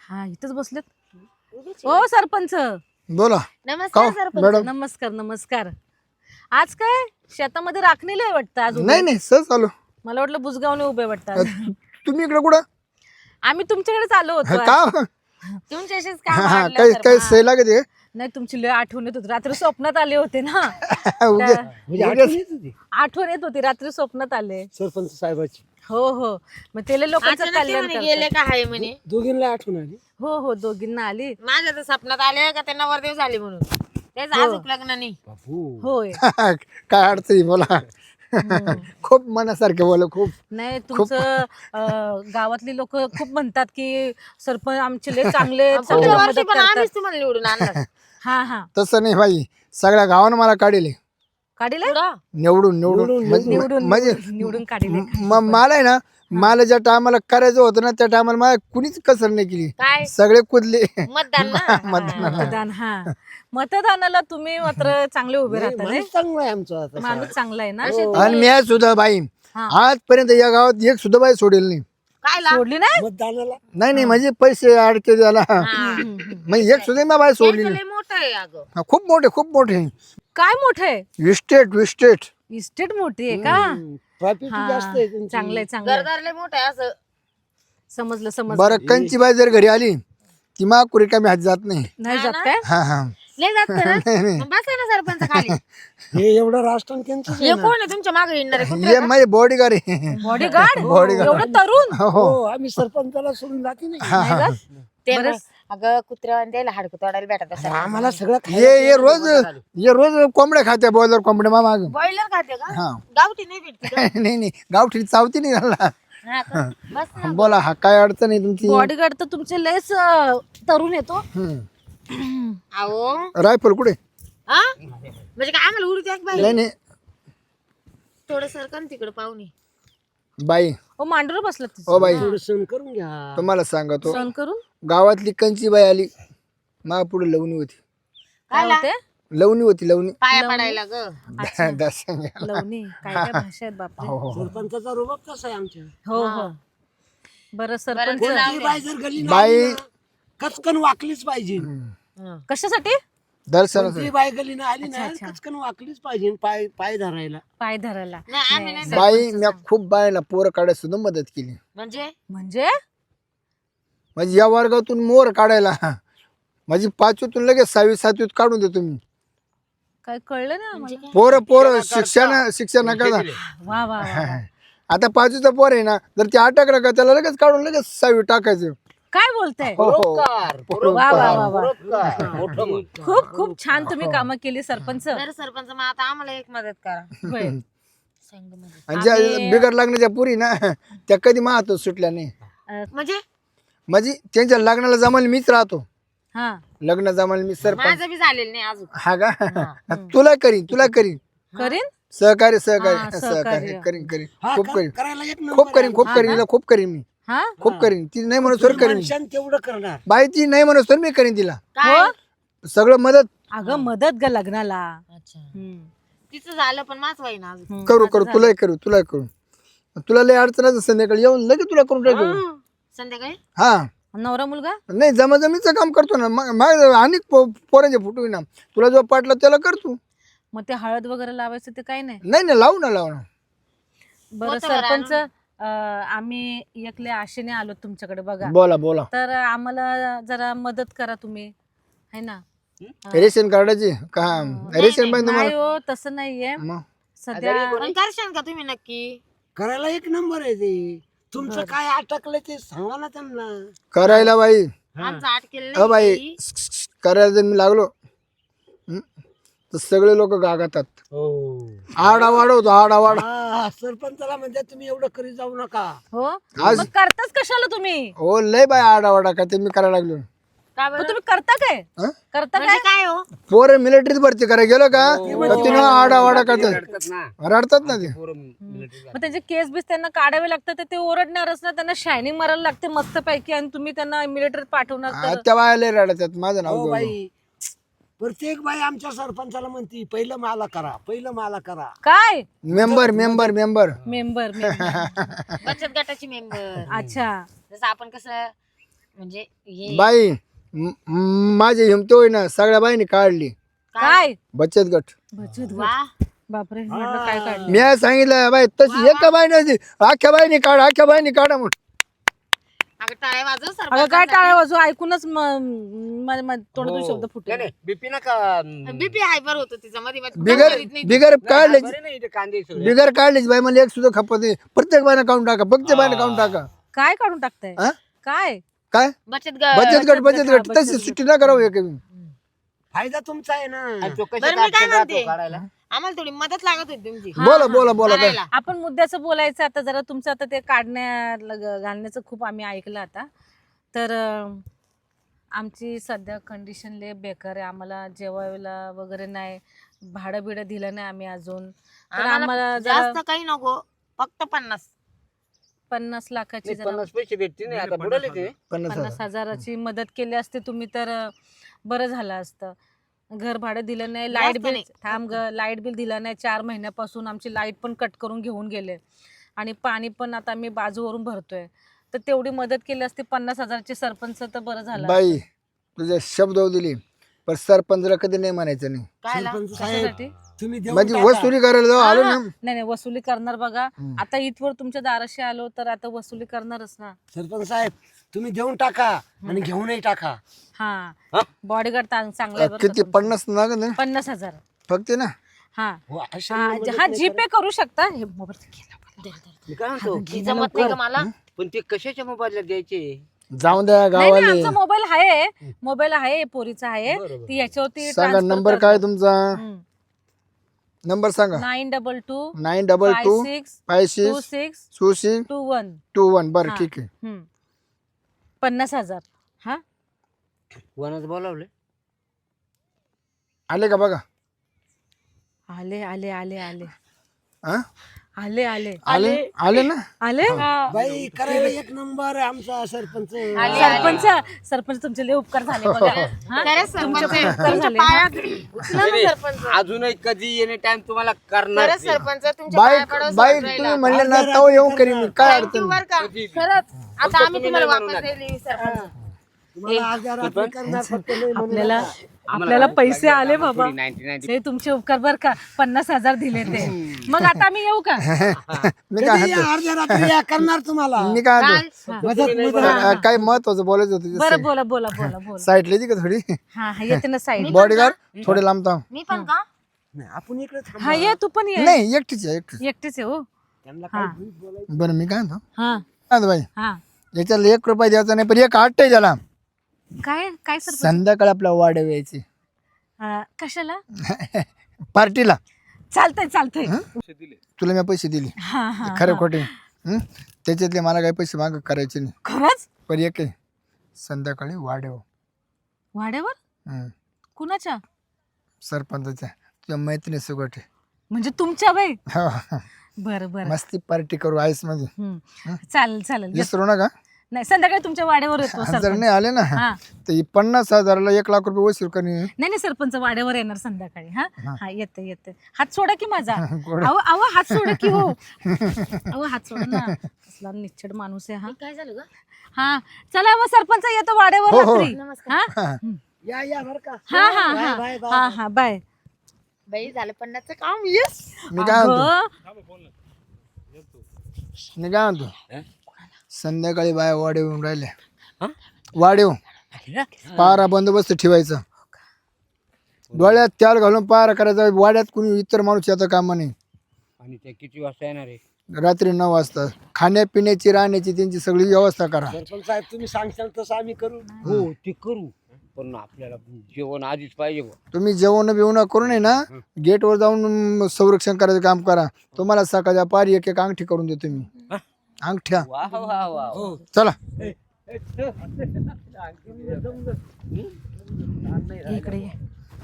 हा इथंच बसलेत ओ सरपंच. बोला. नमस्कार सरपंच. मॅडम नमस्कार नमस्कार. आज काय शेतामध्ये राखणीला आहे वाटतं आज उभे? नाही नाही सहज आलो. मला वाटलं बुजगावने उभे वाटतं आज. तुम्ही इकडे कुठं आम्ही तुमच्याकडेच आलो होतो आज. का तुमच्याशीच हा, काम आणलं काही सरपंच. काही सही लागत आहे नाही तुमची लय आठवण येत होती. रात्री स्वप्नात आले होते ना. उद्या म्हणजे आठवण येत होती आठवण येत होती रात्री स्वप्नात आले. सरपंच साहेबाची. हो हो मग ते लोकांचं अचानक ते कल्याण म्हणे करतात. गेले का हाय म्हणे. दोघींना आठवण आली. हो हो दोघींना आली. माझ्या तर स्वप्नात आले का त्यांना वरदेव झाले म्हणून तेच अजून लग्न नाही. बापू होय. काय अडचणी बोला. खूप मनासारखे बोला खूप. नाही तुमचं गावातली लोक खूप म्हणतात की सरपंच आमचे लय चांगले आहेत, पुढच्या सगळ्यांना वर्षी मदत पण करतात. आम्हीच तुम्हाला निवडून आणणार. हा हा तसं नाही बाई सगळ्या गावानं मला काढले काढीले पुढं? निवडून निवडून निवडून म्हणजे निवडून काढीले. मला आहे ना मला ज्या टायमाला करायचं होतं ना त्या टायमाला मला कुणीच कसर नाही केली. काय सगळे कुदले. मतदान ना. मतदान हा मतदानाला तुम्ही मात्र चांगले उभे राहता नाही? माणूस चांगला आहे आमचा आता. माणूस चांगला आहे ना. आणि मी आज सुद्धा बाई हा. आजपर्यंत या गावात एक सुद्धा बाई सोडेल नाही. काय लाभ? सोडली नाही. मतदानाला नाही नाही म्हणजे पैसे अडके द्याला म्हणजे एक सुद्धा मी बाई सोडली त्यांचं नाही. लय मोठं आहे अगं. हा, खूप मोठे काय मोठं आहे. विस्टेट इस्टेट मोठी आहे का. प्रॉफिट हा जास्त आहे त्यांची. चांगलंय चांगलंय. घरदार लय मोठं आहे असं. समजलं समजलं. बरं कंची बाई जर घरी आली ती मा रिकामी हात जात नाही. नाही जात काय. हा हा लय जात ना. मग बसा ना सरपंच खाली. हे एवढं राष्ट्र त्यांचं हे कोण आहे तुमच्या मागे येणार आहे? ये माझे बॉडीगार्ड आहे. बॉडीगार्ड एवढं तरुण. हो हो आम्ही सरपंचाला सोडून जाते नाही. नाही जात? ते ना, अगं कुत्र्या द्यायला हाडकं तोडायला भेटत असं. आम्हाला सगळं ये रोज कोंबड्या खात्या बॉयलर कोंबड्या मा माग. बॉयलर खाते का? हा गावठी नाही भेटते का? नाही गावठी चावती नाही झाला. हा का? बस ना. बोला हा काय अडचण आहे तुमची. बॉडीगार्ड तर तुमचे लयच तरुण येतो. अहो रायफल कुठे. हा म्हणजे काय आम्हाला उडू द्या बाई. नाही थोडं सरकन तिकडे पाहुणे. बाई ओ मांडूर बसला ओ बाई थोडं सण करून घ्या. तुम्हाला सांगतो सण करून. गावातली कंची बाई आली मा पुढे लवणी होती. काय होते. लवणी पाया पडायला ग. लवणी काय काय भाषा आहेत बापा. सरपंचाचा रुबाब कसा आहे आमच्या. हो हो बरं सरपंच कोणती बाई जर गली बाई कचकन वाकलीच पाहिजे. कशासाठी. दर्शन कोणती बाई गलीनं आली ना कचकन वाकलीच पाहिजे पाय पाय धरायला. पाय धरायला. नाही आम्ही नाही. बाई मी खूप बायला पोरं काढायला सुद्धा मदत केली. म्हणजे म्हणजे म्हणजे या वर्गातून मोर काढायला माझी 5वीतून लगेच 6वी 7वीत काढून देतो मी. काय कळलं ना आम्हाला. पोरं शिक्षण करा. वा वा वा. आता 5वीचा पोर आहे ना जर ते अटकलं का त्याला लगेच काढून लगेच 6वी टाकायचं. काय बोलताय. हो वा वा वा वा. खूप खूप छान तुम्ही कामं केली सरपंच. तर सरपंच मग आता आम्हाला एक मदत करा. होय. संघ मध्ये. आणि ज्या बिगर लागण्याच्या पुरी ना त्या कधी माहतो सुटल्या नाही. म्हणजे त्यांच्या लग्नाला जमायला मीच राहतो. हा लग्न जमायला मी सरपंच. माझं बी झालेलं नाही अजून. हा का तुला करीन करीन. सहकार्य सहकार्य. करीन हा, खूप करीन करायला एक नंबर खूप करीन मी हा खूप करीन. ती नाही म्हणून सर करीन माणसानं तेवढं करणार. बाई ती नाही म्हणून सर मी करीन तिला काय? सगळं मदत अगं मदत ग लग्नाला. अच्छा हम्म. तिचं झालं पण माझं वाई ना अजून. करू तुलाही करू तुला लय अडचण संध्याकाळी येऊन लगेच तुला करून टाकू. संध्याकाळी हा नवरा मुलगा. नाही जमाजमीचं काम करतो ना मग आणि पोरांचे फुटू ना तुला जो पाटला त्याला करतो. मग ते हळद वगैरे लावायचं ते काही नाही. नाही लावू ना बरं सरपंच आम्ही एकले आशेने आलो तुमच्याकडे बघा. बोला तर आम्हाला जरा मदत करा तुम्ही है ना. रेशन कार्डाची का रेशन पाहिजे नाही तुम्हाला हो तसं नाहीये मग सध्या. पण करशाल का तुम्ही नक्की. करायला एक नंबर आहे ते. तुमचं काय अटकलं ते सांगा ना त्यांना. करायला बाई आमचं अटकेल बाई करायला जर मी लागलो तर सगळे लोक गागातात. आडावाड होतो आडावाड. हा, सरपंचाला म्हणजे तुम्ही एवढं करीत जाऊ नका. हो आज- मग करताच कशाला तुम्ही. हो लय बाय आडावाडा का ते मी करायला लागलो. का मग बरं? तुम्ही करता काय. हं? करता म्हणजे काय. काय हो. पोरं मिलिटरीत भरती करायला गेलो का तर तिनं आडावाडा करतात रडतात ना ते. मग त्यांचे केस बीस त्यांना काढावे लागतात तर ते ओरडणारच ना. त्यांना शायनिंग मारायला लागते मस्त पैकी आणि तुम्ही त्यांना मिलिटरीत पाठवणार तर. त्या बाया लय रडतात माझं नाव हो घेऊन. बाई प्रत्येक बाई आमच्या सरपंचाला म्हणती पहिलं मला करा. काय मेंबर मेंबर मेंबर. बचत गटाची मेंबर. अच्छा जसं आपण कसं म्हणजे हे बाई माझी हिमतो आहे ना सगळ्या बाईने काढली काय बचत गट. बचत गट. वा बापरे म्हटलं काय काढलं. मी आज सांगितलं बाई तशी एका बाईने अख्ख्या बाईने काढा म्हणून. अगं टाळ्या वाजव अगं काय टाळ्या वाजू ऐकूनच तोंडातून शब्द फुटले. बीपी नका बीपी हायपर होतो तिचा मध्ये बिगर काढले बरे नाही इथे कांदे सोडले. बिगर काढलीच बाई मला एक सुद्धा खपत नाही. प्रत्येक बाईने काढून टाका प्रत्येक बाईने काढून टाका. काय काढून टाकताय हा? काय काय बचत बचत गट तशी सुट्टी ना करावं एक. फायदा तुमचा आहे ना. आणि तो कशी बरं मी काय काढतो म्हणते काढायला? आम्हाला थोडी मदत लागत होती तुमची बोला काय. करायला. आपण मुद्द्याचं बोलायचं आता जरा तुमचं आता ते घालण्याचं खूप आम्ही ऐकलं आता. तर आमची सध्या कंडिशन लय बेकार आहे. आम्हाला जेवायला वगैरे नाही, भाडं बिडं दिलं नाही आम्ही अजून. तर आम्हाला आम्हाला जरा जास्त काही नको, फक्त 50 लाखाची नाही, जरा 50 पैसे भेटतील नाही आता बुडाले ते 50,000ची मदत केली असते तुम्ही तर बरं झालं असतं. घर भाडं दिलं नाही, लाईट बिल लाईट बिल दिलं नाही. 4 महिन्यापासून आमची लाईट पण कट करून घेऊन गेले आणि पाणी पण आता आम्ही बाजूवरून भरतोय. तर तेवढी मदत केली असते 50,000ची सरपंच तर बरं झालं. बाई तुझ्या शब्द दिली पण सरपंचला कधी नाही म्हणायचं नाही. सरपंच साहेब कशासाठी? तुम्ही देऊन माझी टाका. वसुली करायला जाऊ आलो ना. नाही वसुली करणार बघा. आता इथवर तुमच्या दाराशी आलो तर आता वसुली करणारच ना. सरपंच साहेब तुम्ही देऊन टाका आणि घेऊनही टाका. हा बॉडीगार्ड चांगला आहे बरं किती का 50 ना का नाही? 50,000 फक्त ना. हा हो, अशी हा मदत हा नाही जीपे करू शकता. हे मोबाईल मी काय म्हणतो ती जमत नाही का मला. पण ते कशाच्या मोबाईलला द्यायचे? जाऊन द्या नाही गावाले. आमचा मोबाईल आहे पोरीचा आहे. ती याच्यावरती सांगा नंबर काय तुमचा. नंबर सांगा. 922 922 56 26 26 21 21. बरं ठीक आहे. 50,000 हा वनच बोलावले. आले का बघा. आले आले आले आले हा? आले आले आले आले ना. आले बाई करायला एक नंबर आहे आमचा सरपंच. सरपंच तुमचे लय उपकार झाले बघा. हा? खरंच सरपंच तुमचे उपकार तुमच्या झाले. पायात उचला ना सरपंच. अजूनही कधी येणे टाइम तुम्हाला करणार खरंच सरपंच तुमच्या बाई पाया पडावं बाई सरपंच तुम्ही राहिला. म्हणले ना तो येऊन करीन मी. काय Thank you अडचण बरं का. खरंच आता आम्ही तुम्हाला वापस दिली सरपंच. तुम्हाला आज या रात्री करणार फक्त नाही म्हणून. आपल्याला पैसे आले बाबा. 99 ते तुमचे उपकार बर का. 50,000 दिले ते. मग आता आम्ही येऊ का. मी काय कधी या अर्ध्या रात्री या करणार तुम्हाला. मी काय म्हणतो, मदत काय महत्वाचं बोलायचं होतं. बरं बोला बोला बोला बोला. साईड लिहिली का थोडी. हा हा येते ना साईड. बॉडीगार्ड थोडे लांब थांब. मी पण का नाही, आपण इकडे थांबू. हा ये तू पण ये. नाही एकटीच आहे एकटीच. एकटीच आहे हो. त्यांना काय भीक बोलायची. बरं मी काय म्हणतो हा काय म्हणतो बाई हा याच्याला 1 रुपया द्यायचा नाही पण एक आठ त्याला काय काय सर संध्याकाळी आपला वाढ यायची कशाला. पार्टीला. चालतंय चालतंय. तुला मी पैसे दिले हा हा खरे खोटे. त्याच्यातले मला काही पैसे माग करायचे नाही. खरंच. पण एक आहे संध्याकाळी वाढव. वाड्यावर कुणाच्या. सरपंचाच्या तुझ्या मैत्रिणी सुगट म्हणजे तुमच्या बाई. हो बरं बरं. मस्ती पार्टी करू आईस मध्ये. चालेल चालेल. विसरू नका. नाही संध्याकाळी तुमच्या वाड्यावर येतो जर सरपंच. नाही आले ना हा तर 50,000ला 1 लाख रुपये वसूल करणे. नाही नाही सरपंच वाड्यावर येणार संध्याकाळी. हा हा येते येते. हात सोडा की माझा. गोड. अहो अहो हात सोडा की हो. अहो हात सोडा ना. कसला निच्छड माणूस आहे हा. काय झालं ग. हा चला मग सरपंच येतो वाड्यावर हो, हो. रात्री. हा या बरं का. हा हा बाय, हा बाय, बाय. हा हा बाय. बाई झालं 50चं काम. येस मी काय म्हणतो अगं, मी काय म्हणतो संध्याकाळी बाय वाढ येऊन राहिल्या. वाढेव पारा बंदोबस्त ठेवायचा. डोळ्यात त्याल घालून पारा करायचा. वाड्यात कुणी इतर माणूस याचा काम नाही. आणि ते किती वाजता येणार आहे? रात्री 9 वाजता. खाण्यापिण्याची राहण्याची त्यांची सगळी व्यवस्था करा. सरपंच साहेब तुम्ही सांगशाल तसं आम्ही करू. हो ते करू पण आपल्याला जेवण आधीच पाहिजे बुवा. तुम्ही जेवण बिवण करू नये ना गेटवर जाऊन संरक्षण करायचं काम करा. तुम्हाला सकाळच्या पारी एक एक अंगठी करून देतो मी. अंगठ्या वा वा वा चला. इकडे ये.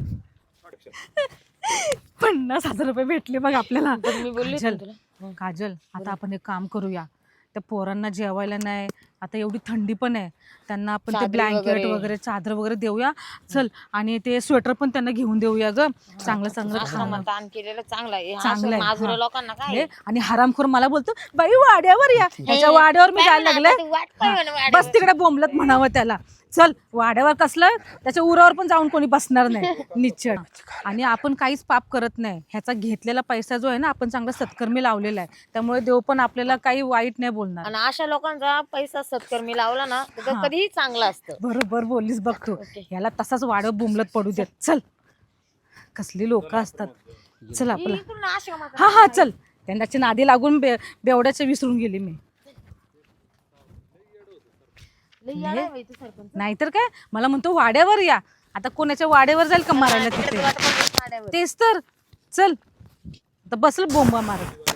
50,000 रुपये भेटले बघ आपल्याला. मी बोलली काजल काजल आता आपण एक काम करूया. त्या पोरांना जेवायला नाही आता एवढी थंडी पण आहे, त्यांना आपण ते चादरी ब्लँकेट वगैरे. वगैरे चादर वगैरे देऊया. चल, आणि ते स्वेटर पण त्यांना घेऊन देऊया ग. चांगलं चांगलं खाणं. आश्रमात दान केलेलं चांगलं आहे. हे चांगलं आहे, असं माजुऱ्या हा. लोकांना काय हे, आणि हरामखोर मला बोलतो बाई वाड्यावर या. ह्याच्या वाड्यावर मी जायला लागले. बस तिकडे बोंबलत म्हणावं त्याला. चल, वाड्यावर कसलं, त्याच्या उरावर पण जाऊन कोणी बसणार नाही निश्चळ. आणि आपण काहीच पाप करत नाही. ह्याचा घेतलेला पैसा जो आहे ना, आपण चांगला सत्कर्मी लावलेला आहे, त्यामुळे देव पण आपल्याला काही वाईट नाही बोलणार. आणि अशा लोकांचा पैसा सत्कर्मी लावला ना तर ते हा. कधीही चांगलं असतं. बरोबर बोललीस बघ तू. ओके. याला तसाच वाड्यावर बोंबलत पडू देत. चल, कसली लोक असतात. चल आपला. इकडून आश्रमात हा हा चल. त्यांची नादी लागून बेवड्याचं विसरून गेली मी. लई येडा आहे बाई तू सरपंच. नाहीतर काय, मला म्हणतो वाड्यावर या. आता कोणाच्या वाड्यावर जाईल का मारायला तिकडे तिथे? तुला तर वाड्यावर. तेच तर. चल, आता बसल बोंबा मारत.